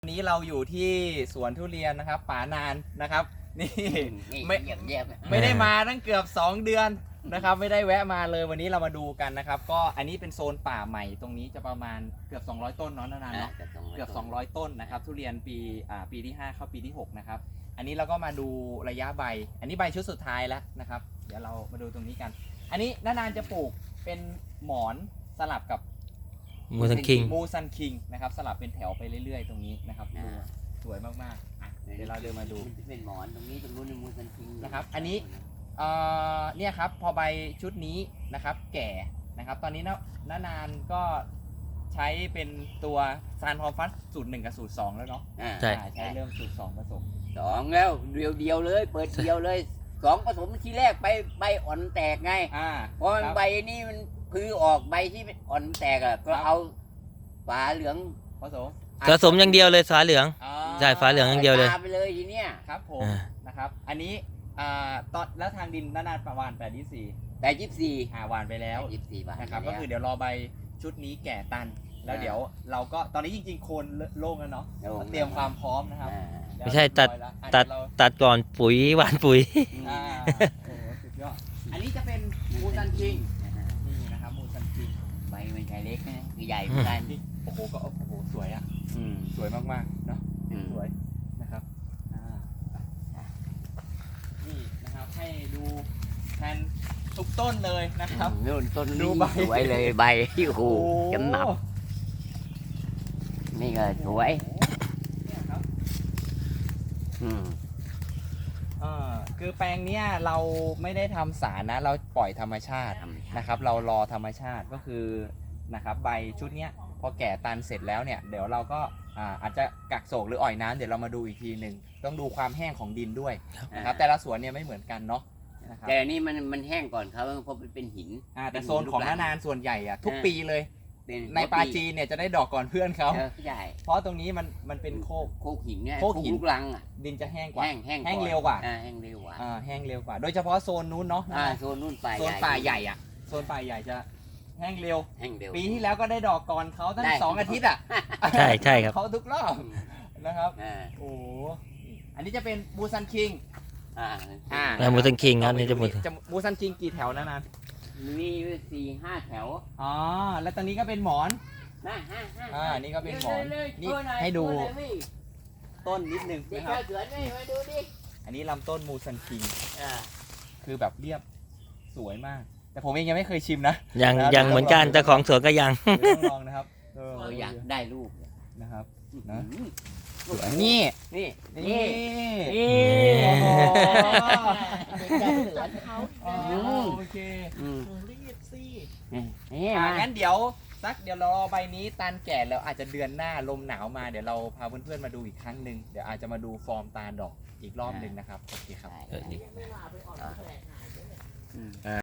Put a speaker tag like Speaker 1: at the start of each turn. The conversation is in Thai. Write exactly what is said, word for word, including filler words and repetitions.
Speaker 1: วันนี้เราอยู่ที่สวนทุเรียนนะครับป๋านานนะครับนี่ไม่ไม่ได้มาตั้งเกือบสองเดือนนะครับไม่ได้แวะมาเลยวันนี้เรามาดูกันนะครับก็อันนี้เป็นโซนป่าใหม่ตรงนี้จะประมาณเกือบสองร้อยต้นเนาะนานๆเนาะเกือบสองร้อยต้นนะครับทุเรียนปีอ่าปีที่ห้าเข้าปีที่หกนะครับอันนี้เราก็มาดูระยะใบอันนี้ใบชุดสุดท้ายแล้วนะครับเดี๋ยวเรามาดูตรงนี้กัน อันนี้นานๆจะปลูกเป็นหมอนสลับกับ
Speaker 2: มูซันคิง
Speaker 1: มูซันคิงนะครับสลับเป็นแถวไปเรื่อยๆตรงนี้นะครับดูสวยมากๆอ่ะเดี๋ยวเราเดินมาดู
Speaker 3: เป็นหมอนตรงนี้ตรงนู้นมูซันคิง
Speaker 1: นะครับอันนี้เอ่อเนี่ยครับพอใบชุดนี้นะครับแก่นะครับตอนนี้นะนานๆก็ใช้เป็นตัวซานพอฟัสสูตรหนึ่งกับสูตรสองแล้วเนาะ
Speaker 2: ใช่
Speaker 1: ใช้เริ่มสูตรสองผสม
Speaker 3: สองแล้วเดียวเดียวเลยเปิดเดียวเลยสองผสมทีแรกใบใบอ่อนแตกไงเพราะใบนี้มันคือออกใบที่อ่อนแตกอ่ะก็เอาฝาเหลือง
Speaker 1: ผสม
Speaker 2: ผสมอย่างเดียวเลยฝาเหลืองใช่ฝาเหลืองอย่างเดียวเลย
Speaker 3: ไปเลยทีเนี้ย
Speaker 1: ครับผมนะครับอันนี้อ่าตอนแล้วทางดินนานๆประมาณแปดยี่สี่
Speaker 3: แปดยี่สี่
Speaker 1: อ่าหวานไปแล้ว
Speaker 3: ยี่สี่บาท
Speaker 1: นะครับก็คือเดี๋ยวรอใบชุดนี้แก่ตันแล้วเดี๋ยวเราก็ตอนนี้จริงๆโคนโล่งแล้วเนาะเตรียมความพร้อมนะครับ
Speaker 2: ไม่ใช่ตัดตัดตัดก่อนปุ๋ยหวานปุ๋ย
Speaker 1: อ่าโอ้สุดยอดอันนี้จะเป็นมูซันคิงนี่นะครับมูซันคิง
Speaker 3: ใบมันใหญ่เล็กนะคือใหญ่เหมือนกัน
Speaker 1: โอ้โหก็โอ้โหสวยอ่ะสวยมากๆเนาะสวยนะครับนี่นะครับให้ดูแทนทุกต้นเลยนะครับ
Speaker 3: นู่นต้นดูใบสวยเลยใบที่โอ้โหจำหนับนี่ก็สวย
Speaker 1: เนี่ยครับ
Speaker 3: อืม
Speaker 1: อ่าคือแปลงเนี้ยเราไม่ได้ทำสารนะเราปล่อยธรรมชาตินะครับเรารอธรรมชาติก็คือนะครับใบชุดเนี้ยพอแก่ตันเสร็จแล้วเนี่ยเดี๋ยวเราก็อาจจะกักโศกหรืออ่อยน้ำเดี๋ยวเรามาดูอีกทีหนึ่งต้องดูความแห้งของดินด้วยนะครับแต่ละสวนเนี่ยไม่เหมือนกันเนาะ
Speaker 3: แต่นี่มันมันแห้งก่อนเขาเพราะเป็นหิน
Speaker 1: แต่โซนของนานส่วนใหญ่อะทุกปีเลยในปาจีเนี่ยจะได้ดอกก่อนเพื่อนเขาเพราะตรงนี้มันมันเป็นโคก
Speaker 3: โคกหินเนี่ย
Speaker 1: โคกหิน
Speaker 3: ลูกลังอ่ะ
Speaker 1: ดินจะแห้งกว่า
Speaker 3: แห้งแห้ง
Speaker 1: แห้งเร็วกว่า
Speaker 3: แห้งเร็วกว่า
Speaker 1: แห้งเร็วกว่าโดยเฉพาะโซนนู้นเนาะ
Speaker 3: โซนนู้นป่า
Speaker 1: โซนป่าใหญ่อะโซนป่าใหญ่จะแห้งเร็ว
Speaker 3: แห้งเร็ว
Speaker 1: ปีที่แล้วก็ได้ดอกก่อนเขาตั้งสองอาทิตย์อ่ะ
Speaker 2: ใช่ใช่ครับ
Speaker 1: เขาทุกรอบนะครับโอ้อันนี้จะเป็นมูซันคิง
Speaker 3: อ่า
Speaker 2: อ่ามูซันคิงครับนี่จะมู
Speaker 1: มูซันคิงกี่แถวนะนัน
Speaker 3: มีสี่ห้าแถว
Speaker 1: อ๋อแล้วตอนนี้ก็เป็นหมอนอ่านี่ก็เป็นหมอนนี่ให้ดูต้นนิดนึงนะครับอันนี้ลำต้นมูซันคิงคือแบบเรียบสวยมากแต่ผมเองยังไม่เคยชิมนะ
Speaker 2: ยังยังเหมือนกันเจ้าของสวนก็ยัง
Speaker 1: ต้องลองนะครับ
Speaker 3: เอออยากได้ลูก
Speaker 1: นะครับนะสวยนี่
Speaker 3: นี่
Speaker 1: นี่
Speaker 3: นี่
Speaker 1: โอเครีบสิ
Speaker 3: นี่
Speaker 1: งั้นเดี๋ยวสักเดี๋ยวรอใบนี้ตันแก่แล้วอาจจะเดือนหน้าลมหนาวมาเดี๋ยวเราพาเพื่อนๆมาดูอีกครั้งหนึ่งเดี๋ยวอาจจะมาดูฟอร์มตาดอกอีกรอบหนึ่งนะครับโอเคครับ